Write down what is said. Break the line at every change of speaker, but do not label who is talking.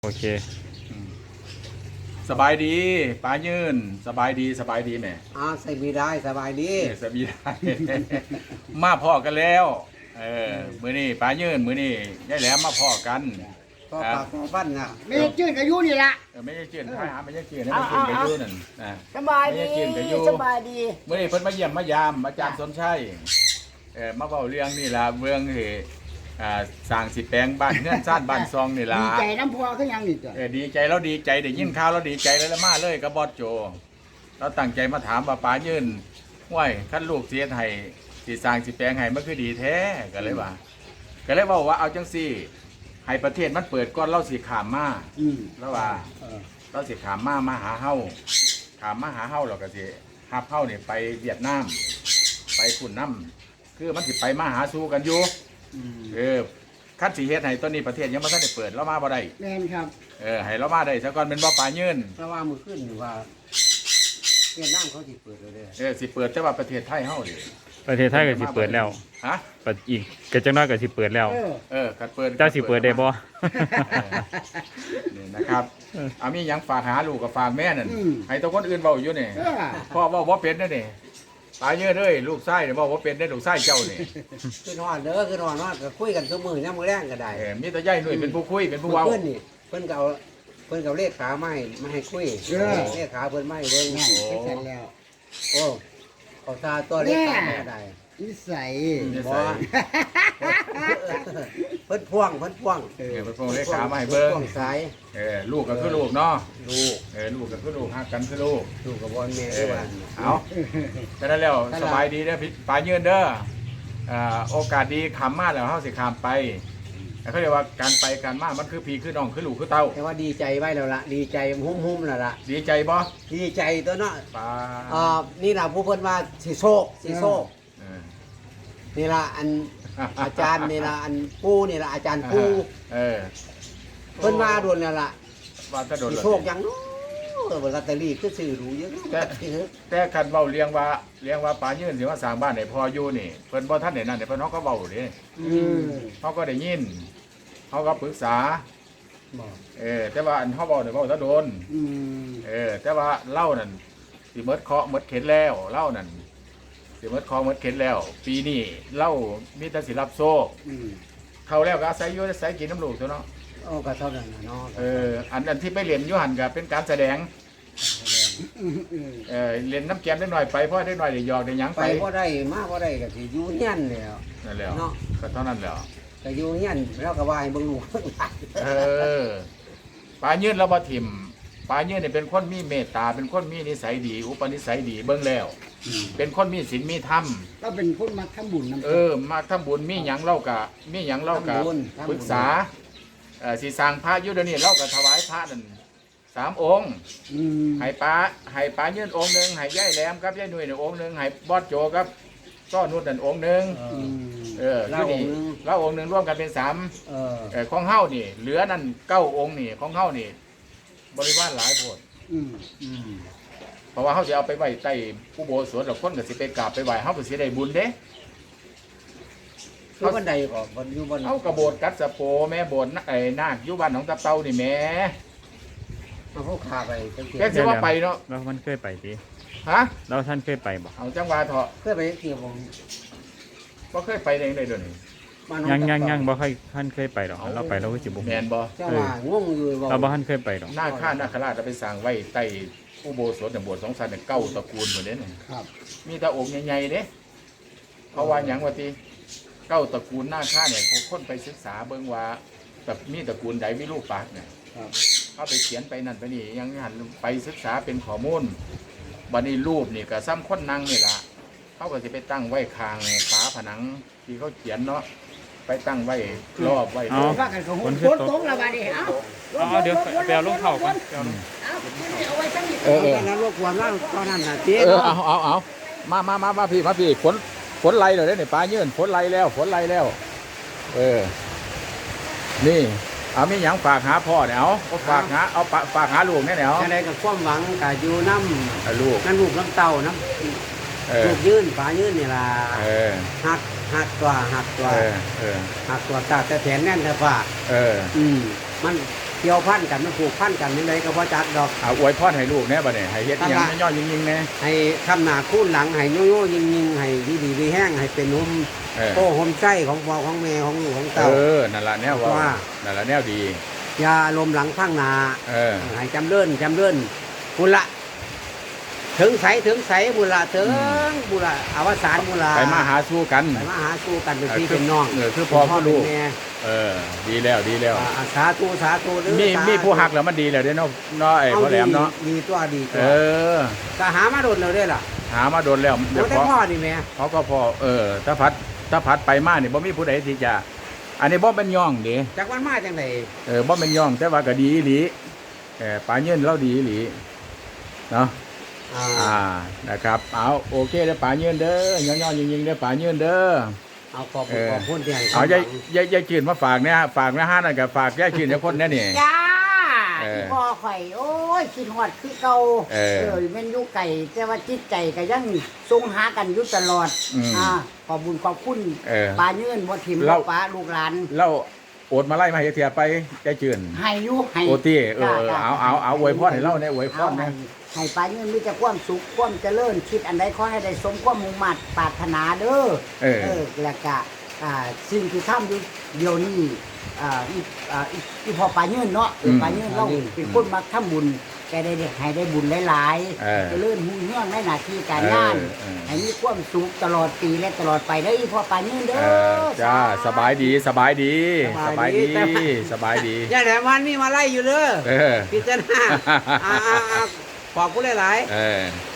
โอเค
สบายดีป้ายืนสบายดีแม่
ใส่มีได้สบายดี
สบายได้ มาพ่อกันแล้วมื้อนี้ป้ายืนมื้อนี้ยายแหลมมาพ่อกัน
ก็ปากก็บ้านน่ะ
ไม่ได้จืดกับยูนี่ละ
ไม่ใช่เจียนหาไม่ใช่เจียนไม่ใช่เจียนกับยูนั่น
สบายดีสบายดี
มื้อนี้เพิ่นมาเยี่ยมมายามอาจารย์สนชัยมาเว้าเรื่องนี่ล่ะเรื่องที่สร้างสิแปลงบ้านเฮือนซ่านบ้านซองนี่ล่ะ
ดีใจน้ำพัวคือยังนี่จ้ะ
ดีใจแล้วดีใจได้ยินข่าวแล้วดีใจแล้วมาเลยกับบอสโจเราตั้งใจมาถามว่าป๋ายืนห้วยคันลูกเสียให้สิสร้างสิแปลงให้มันคือดีแท้ก็เลยว่าเอาจังซี่ให้ประเทศมันเปิดก่อนเราสิขามมาแล้วว่าเราสิขามมาหาเฮาแล้วก็สิฮับเฮานี่ไปเวียดนามไปฝุ่นน้ำคือมันสิไปมาหาสู่กันอยู่คัดสีเฮ็ดให้ตอนนี้ประเทศยังไม่ทันได้เปิดเรามาบ่ได้
แม่นครับ
ให้เรามาได้ซะก่อนเป็นบ่ป่ายืน
เพราะว่ามือขึ้นอยู่ว่าเวียดนามเขาสิเปิดเลย
สิเปิดแต่ว่าประเทศไทยเฮาดิ
ประเทศไทยก็สิเปิดแล้ว
ฮะ
ปัดอีกก็จังน้อยก็สิเปิดแล้ว
คัดเปิด
เจ้าสิเปิดได้บ่
นี่นะครับมีหยังฝากหาลูกกับฝากแม่นั่นให้ตัวคนอื่นเว้าอยู่นี่พ่อเว้าบ่เป็นนั่นนี่ตายเยอะเลยลูกไส้เนี่ยบอกว่าเป็นได้ลูกไส้เจ้านี่
คือนอนเด้อคือนอนว่าก็คุยกันทุกมื้อย่ามมื้อแรงก็ได้
มีแต่ย่ายหนุ่ยเป็นผู้คุยเป็นผู้เว้า
เพิ่นนี่เพิ่นก็เลขขาไม้มาให้คุยเลขขาเพิ่นไม้เบิ่ง
เสร็จแล้ว
โอ้เขาตาตัวเลขขาก็ได้
นิสัย
บ่เพิ่นพ่วง
เพิ่นพ่วงเลขขามาให้เบิ่ง
พ่วงสาย
ลูกก็คือลูกเนาะ
ลูก
ลูกก็คือลูกฮักกันคือลูก
กับบอลแม่ด้วยว่า
เอาฉะนั้นแล้วสบายดีเด้อป๋ายืนเด้อโอกาสดีขำมาแล้วเฮาสิขามไปเขาเรียกว่าการไปการมามันคือพี่คือน้องคือลูกคือเต้า
แต่ว่าดีใจไว้แล้วล่ะดีใจหุ้มๆแล้วล่ะ
ดีใจบ่
ดีใจตัวเนาะ
ป๋า
นี่ล่ะผู้เพิ่นว่าสิโชคนี่ล่ะอันอาจารย์นี่ล่ะอันปู่นี่ล่ะอาจารย์ปู่เพิ่นมาโดนแล้วล่ะ
ว่าจะโดน
โชคยังลอตเตอรี่คือซื้อรู้เยอะ
แต่คันเว้าเลี้ยงว่าป๋ายืนสิว่าสร้างบ้านให้พ่ออยู่นี่เพิ่นบ่ทันได้นั่นเพิ่นเฮาก็เว้าเด้เฮาก็ได้ยินเฮาก็ปรึกษาแต่ว่าอันเฮาเว้าได้เว้าซะโดนแต่ว่าเล่านั่นสิหมดเคราะห์หมดเข็นแล้วเล่านั่นสิหมดเคราะห์หมดเข็นแล้วปีนี้เล่ามีแต่สิรับโชคเข้าแล้วก็อาศัยอยู่อาศัยกินน้ำลูกตัวเนาะ
ก็เท่านั้นเนาะ
อันที่ไปเรียนยุหันก็เป็นการแสดงเรียนน้ำแกมได้หน่อยไปเพราะได้หน่อยได้หยอกได้หยัง
ไปเพราะได้มากเพราะได้ก็สิอยู่เฮียนแล้ว
นั่นแหละเนาะก็เท่านั้นแล้ว
ก็อยู่เฮียนแล้วก็ว่าให้เบิ่งลูก
ปลายืนเราบ่ถิ่มปลายืนเนี่ยเป็นคนมีเมตตาเป็นคนมีนิสัยดีอุปนิสัยดีเบิ่งแล้วเป็นคนมีศีลมีธรรม
เราเป็นคนมาทำบุญน
ำมาทำบุญมีหยังเล่ากะปรึกษาสีสร้างพระยุทธนี่เราก็ถวายพระนั่น3 องค์ให้ป้ายืนองค์หนึ่งให้ย่ายแหลมครับย่ายหนุ่ยองค์หนึ่งให้บอสโจครับก็นุ่นนั่นองค์หนึ่ง
ที่นี่
เราองค์หนึ่งร่วมกันเป็น3ของเฮ้านี่เหลือนั่น9 องค์นี่ของเฮ้านี่บริวารหลายโพดเพราะว่าเขาจะเอาไปไหว้ใต้ผู้โบสถแล้วคนก็สิไปกราบไปไหว้เขาก็สิได้บุญเด้
เขาบันไดก่อนบันอยู่บัน
เอากระโบดกัดสะโปแม่โบดนาคยุบันของตะเตานี่แม่
เขาขาไป
แค่สิว่าไปเนาะ
เราท่านเคยไปดิ
ฮะ
เราท่านเคยไปบ่
เอาจังหวะเถอะ
เคยไปเที่ยว
บ่เคยไปเองเลยเดี๋ยวนี้
ยังบ่เคยท่านเคยไปหรอกเราไปเราก็จิบุ
แมนบ่
จังหวะงงอยู่
เราบ่ท่านเคยไปหรอก
นาคนาคราชจะไปสร้างไว้ใต้ผู้โบสถเนี่ยโบสถ์2 ชั้นเนี่ย9 ตระกูลหมดเลยเนี่ยมีแต่องค์ใหญ่ๆเด้เพราะว่าหยังว่าติ9 ตระกูลนาคาเนี่ยคนไปศึกษาเบิ่งว่าแบบมีตระกูลใดมีรูปปากเนี่ยเขาไปเขียนไปนั่นไปนี่ยังหันไปศึกษาเป็นข้อมูลบัดนี้รูปนี่ก็ซ้ำคนนั่งนี่ล่ะเขาก็จะไปตั้งไว้คางฝาผนังที่เขาเขียนเนาะไปตั้งไว้รอบไว้
ว่ากันของคนตรงละบาดนี้
เดี๋ยวไปเอาลูกเข่าก่อน
เอาไว้ตั้ง
นั้นรบกวนว่าตอนนั้นน่ะเจ๊
เอามาพี่ฝนไล่เลยเนี่ยปลาเยื่อฝนไล่แล้วนี่เอามีหยังฝากหาพ่อเนี่ยเอาฝากหาลูกเนี่ยเอา
อะไรกับความหวังกับอยู่น้ำ
ลูก
นั่นลูกน้ำเต่าน้ำลูกยื่นปลายื่นนี่ล่ะหักตัวตาแต่แขนแน่นแต่ฝ่ามันเกี่ยวพันกันมันผูกพันกันนี่เลยก็บ่จักดอก
เอาอวยพรให้ลูกแน่บัดนี้ให้เฮ็ดอิหยังย่อๆยิงๆแน่
ให้ทำหน้าคูนหลังให้โยโย่ยิงๆให้ดีๆดีแห้งให้เป็นนุ่ม
เออ
โอ้ห่มไส้ของพ่อของแม่ของลูกของเต้า
นั่นล่ะแนวว่านั่นล่ะแนวดี
อย่าลมหลังข้างหน้า
เออ
ให้จำเลื่อนบุละถึงใสบุละถึงบุละอวสานบุละ
ไปมาหาสู้กัน
ไปมาหาสู้กันเป็นพี่เป็นน้อง
คือพ่อคือลูก
เป็นแม่
ดีแล้ว
สาธุเด้อ
มีผู้หักแล้วมันดีแล้วเด้เนาะไอ้พ่อแหลมเนาะ
ดีตัวดีตัว ก็หามาโดนเราได้ล่ะ
หามาโดนแล้ว
แล้วได้พ่อนี่แม่
เขาก็พอถ้าพัดไปมานี่บ่มีผู้ใดที่จะอันนี้บ่เป็นย่องเด้
จากวันมาจังได
บ่เป็นย่องแต่ว่าก็ดีอีหลีปลาเงินเราดีอีหลีเนาะนะครับเอาโอเคเด้อปลาเงินเด้อย่อๆยิงๆเด้อปลาเงินเด้อ
เอาขอบคุณที่ให้
เอายายจืดมาฝากเนี่ยฝากนะฮะนั่นก็ฝากยายจืดเนี่ยคนนี้นี่
จ้า
เออ
พ่อข่อยโอ้ยคิดฮอดคือเก่า
เออ
แม่นอยู่ไก่แต่ว่าจิตใจก็ยังทรงหากันอยู่ตลอด ขอบบุญขอบคุณ ปลาเยื่นบ่ทิมบ่ปลาลูกหลาน
เราโอดมาไล่มาให้เทียไปยายจืด
ให้อยู่ให้
โอตี้เอาอวยพรให้เราเนี่ยอวยพ
เอา
รเนี่ย
ให้ปลาเยื่นมีแต่ความสุขความเจริญคิดอันใดขอให้ได้สมความมุ่งมั่นปรารถนาเด้อแล้วก็สิ่งที่ทำอยู่เดี๋ยวนี้อีพอปลาเยื่นเนาะปลาเยื่นเราเป็นคนมาทำบุญแกได้ให้ได้บุญหลายๆเจริญหุ่งเฮืองในหน้าที่การงานให้มีความสุขตลอดปีและตลอดไปได้อีพอปลาเยื่นเด้อ
จ้าสบายดี
ย่าแหลมวันมีมาไล่อยู่เด้อพิจารณาขอบคุณหลายๆ